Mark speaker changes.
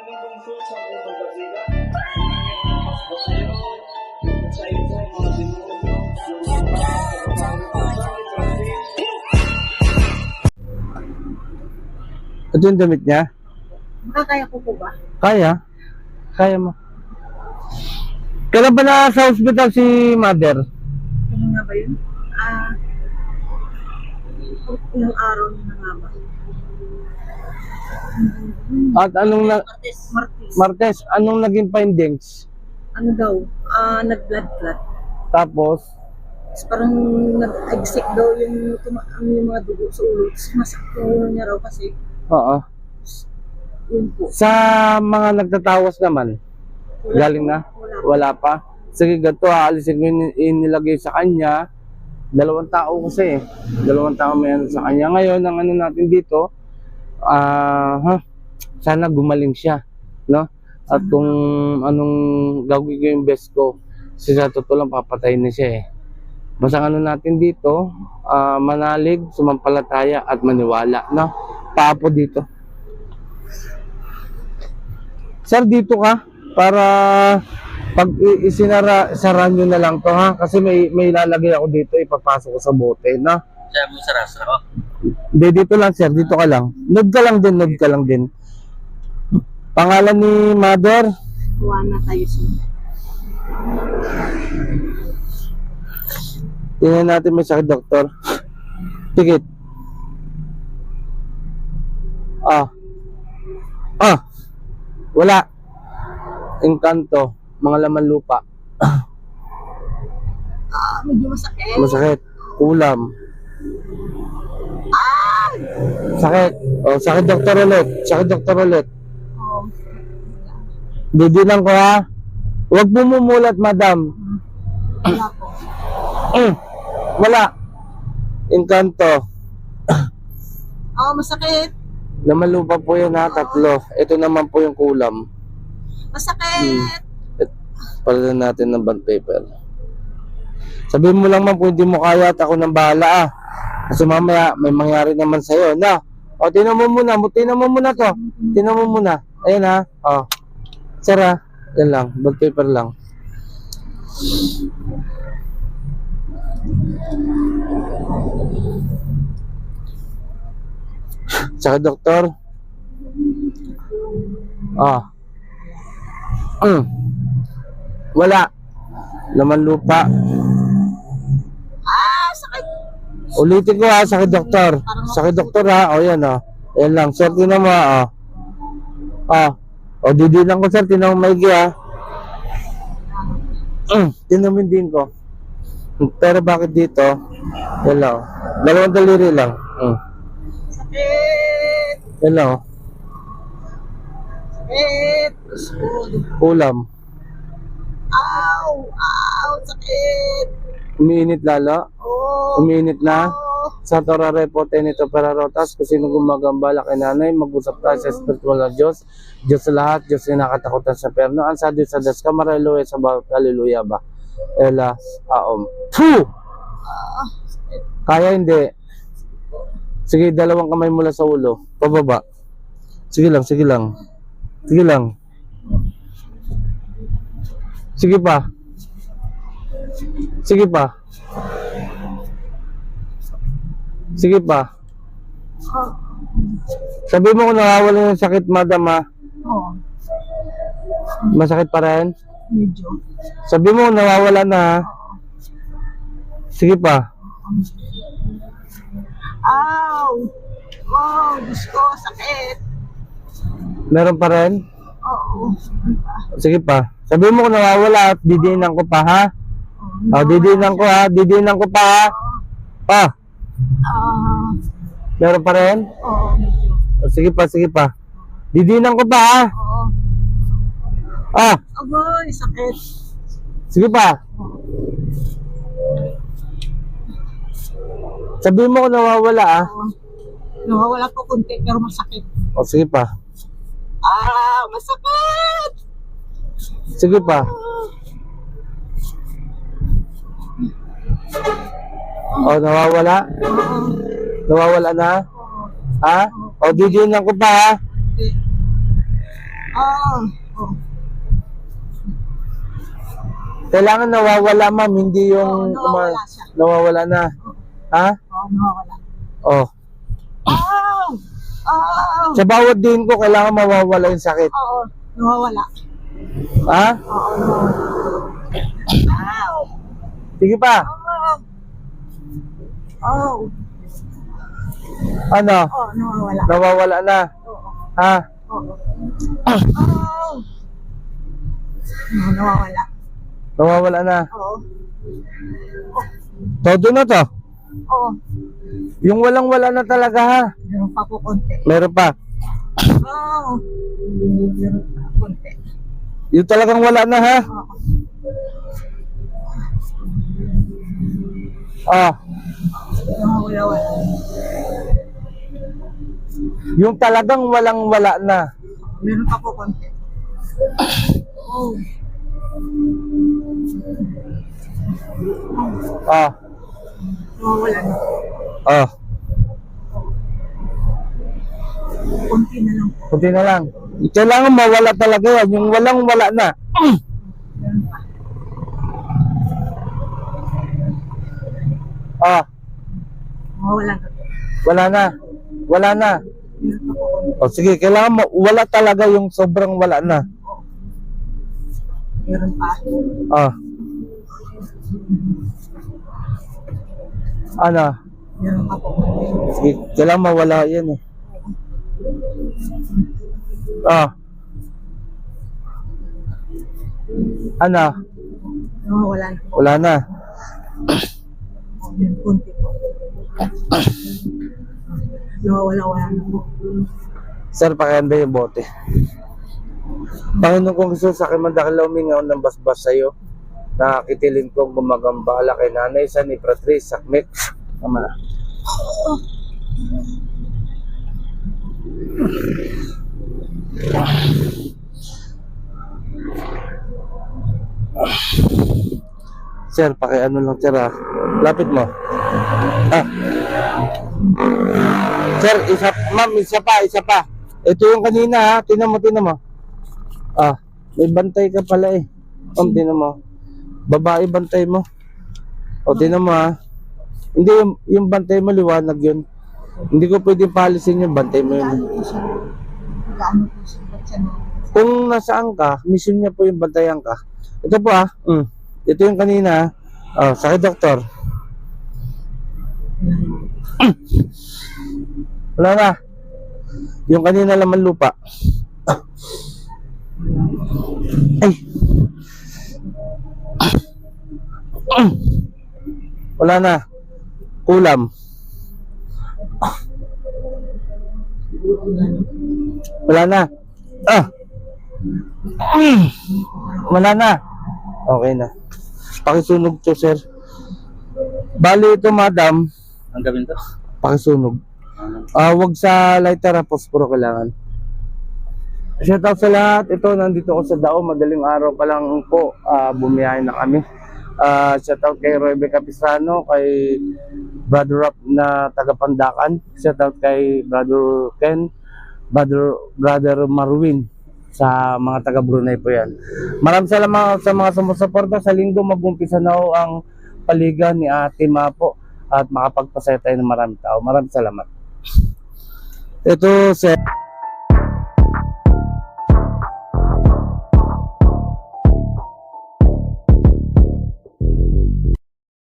Speaker 1: Ito yung damit niya?
Speaker 2: Makakaya ko po ba?
Speaker 1: Kaya? Kaya mo. Kailan ba na sa hospital si mother?
Speaker 2: Ano nga ba yun? Ilang araw na nga ba?
Speaker 1: At anong
Speaker 2: Martes.
Speaker 1: Martes, anong naging findings?
Speaker 2: Ano daw? Nag-blood clot.
Speaker 1: Tapos,
Speaker 2: Parang nag-exit daw yung mga dugo sa ulo. Masakit yung ulo niya raw kasi.
Speaker 1: oo.
Speaker 2: Yun po.
Speaker 1: Sa mga nagtatawas naman, galing na? Wala pa? Sige, ganito, aalisin ko yung inilagay sa kanya. 2 tao kasi. 2 tao may ano sa kanya. Ngayon, ang ano natin dito, sana gumaling siya, no? At kung anong gagawin ko yung best ko, sa totoo lang papatayin na siya eh. Basta ano natin dito, manalig, sumampalataya at maniwala, no? Paapo dito. Sir, dito ka para pag sara nyo na lang to, ha? Kasi may lalagay ako dito, ipapasok ko sa bote, no?
Speaker 3: Siya mo sa rasa ko.
Speaker 1: Hindi, dito lang sir, dito ka lang. Nod ka lang din. Pangalan ni mother?
Speaker 2: Juana tayo siya.
Speaker 1: Tingnan natin may sakit, doktor. Tikit. Wala. Engkanto, mga laman lupa.
Speaker 2: Medyo masakit.
Speaker 1: Masakit. Kulam. Sakit. Sakit doktor ulit.
Speaker 2: Oh.
Speaker 1: Didinan ko, ha. Huwag bumumulat, madam.
Speaker 2: Wala po.
Speaker 1: Wala. Engkanto.
Speaker 2: Masakit.
Speaker 1: Laman lupa po yan, ha. 3. Ito naman po yung kulam.
Speaker 2: Masakit.
Speaker 1: Palitan natin ng bond paper. Sabihin mo lang man kung hindi mo kaya at ako nang bahala, kasi mamaya may mangyari naman sa'yo, na. Tinan mo muna to. Tinan mo muna. Ayan, ha. Sir, ha. Yan lang, bond paper lang. Saka doktor. Wala. Laman lupa.
Speaker 2: Sakit.
Speaker 1: Ulitin ko, ha, sakit doktor. Sakit doktor, ha. Yan, Yan lang. Sir, tinan mo, ha. Didinan ko, sir. Tinan mo maigi, ha. Tinamin din ko. Pero bakit dito? Yan lang. 2 daliri lang.
Speaker 2: Sakit.
Speaker 1: Yan lang,
Speaker 2: Sakit.
Speaker 1: Kulam.
Speaker 2: Sakit.
Speaker 1: Umiinit lalo. Umiinit na. Sa torare po tenito perarotas, kung sino gumagambala kay nanay, mag-usap tayo sa spiritual na Diyos. Diyos sa lahat, Diyos na nakatakutan sa perno. Ang sa Diyos sa das kamareloe sa bawat hallelujah ba? Ela, Puh! Kaya hindi. Sige, 2 kamay mula sa ulo. Pababa. Sige lang. Sige pa. Sige pa. Sabi mo kung nawawala yung sakit, madam, ha? Masakit pa rin?
Speaker 2: Medyo.
Speaker 1: Sabi mo kung nawawala na, ha? Sige pa.
Speaker 2: Diyos ko, sakit.
Speaker 1: Meron pa rin?
Speaker 2: Oo.
Speaker 1: Sige pa. Sabi mo kung nawawala at didinan ko pa, ha? Didinan ko pa, ha? Meron pa rin?
Speaker 2: Oo, medyo.
Speaker 1: Sige pa. Didinan ko pa, ha?
Speaker 2: Oo. Agoy, sakit.
Speaker 1: Sige pa. Sabi mo kung nawawala, ha?
Speaker 2: Nawawala po konti pero masakit.
Speaker 1: Sige pa.
Speaker 2: Masakit!
Speaker 1: Sige pa. Nawawala? Nawawala na? Ha? Didinan ko pa, ha?
Speaker 2: Oo. Oo.
Speaker 1: Kailangan nawawala, ma'am, hindi yung
Speaker 2: Oo, nawawala siya.
Speaker 1: nawawala na. Ha?
Speaker 2: Oo, nawawala.
Speaker 1: Oh.
Speaker 2: Oo. Oo.
Speaker 1: Sa bawat din ko, kailangan mawawala yung sakit.
Speaker 2: Oo, nawawala.
Speaker 1: Ha?
Speaker 2: Oo, nawawala. Oo.
Speaker 1: Sige pa.
Speaker 2: Oo. Oo.
Speaker 1: Ano?
Speaker 2: Oo, nawawala.
Speaker 1: Nawawala na.
Speaker 2: Oo.
Speaker 1: Ha?
Speaker 2: Oo. Oo. Oo, nawawala.
Speaker 1: Nawawala na.
Speaker 2: Oo.
Speaker 1: Todo na to.
Speaker 2: Oo.
Speaker 1: Yung walang-wala na talaga, ha?
Speaker 2: Meron pa po konti.
Speaker 1: Meron pa.
Speaker 2: Oo. Meron pa konti.
Speaker 1: Yung talagang wala na, ha?
Speaker 2: Oo.
Speaker 1: Ah,
Speaker 2: Nawawala.
Speaker 1: yung talagang walang-wala na.
Speaker 2: Meron pa po konti. Oo.
Speaker 1: Ah,
Speaker 2: Nawawala na.
Speaker 1: ah.
Speaker 2: Konti na lang po.
Speaker 1: Kunti na lang. Kailangan mawala talaga yan. Yung walang-wala na.
Speaker 2: Meron pa.
Speaker 1: Ah,
Speaker 2: Nawawala na.
Speaker 1: wala na. Wala na.
Speaker 2: Meron pa po konti.
Speaker 1: O sige, kailangan wala talaga yung sobrang wala na.
Speaker 2: Meron pa.
Speaker 1: Ah. Ano?
Speaker 2: Meron pa po konti.
Speaker 1: Sige, kailangan mawala yan eh. Ah. Ano?
Speaker 2: Nawawala na.
Speaker 1: Wala na.
Speaker 2: Meron konti po. Nawawala na po.
Speaker 1: Sir, pakianda yung bote. Panginoon kong Jesus, sa akin man dahil umingaw ng basbas sa'yo, nakakitilin kong gumagambala kay nanay sa ni Patrice Sakmek. Tama na. Sir, pakiano lang sir ha. Lapit mo. Ah. Sir, ma'am, isa pa. Ito yung kanina ha. Tinan mo. Ah, may bantay ka pala eh. Ma'am, tinan mo. Babae bantay mo. O, tinan mo ha. Hindi, yung bantay mo, liwanag yun. Hindi ko pwedeng palisin yung bantay mo yun.
Speaker 2: Gaano po siya? Gaano po siya? Ba't siya na?
Speaker 1: Kung nasaan ka, mission niya po yung bantayan ka. Ito po ha. Ito yung kanina ha. Oh, sakit doktor. Wala na. Yung kanina laman lupa. Ay. Wala na. Kulam. Wala na. Ah. Wala na. Okay na. Pakisunog to, sir. Bali ito, madam.
Speaker 3: Ang gawin to?
Speaker 1: Pakisunog. Wag sa lighter, posporo kailangan. Shout out sa lahat. Ito, nandito ako sa Dao. Madaling araw pa lang po. Bumiyahin na kami. Shout out kay Roybe Capisano, kay Brother Rap na taga Pandakan. Shout out kay Brother Ken, Brother Marwin sa mga taga Brunei po yan. Maraming salamat sa mga sumusuporta. Sa linggo mag-umpisa na ho ang paligan ni Ate Mapo at makapagpasaya tayo ng maraming tao. Maraming salamat. Ito, sir.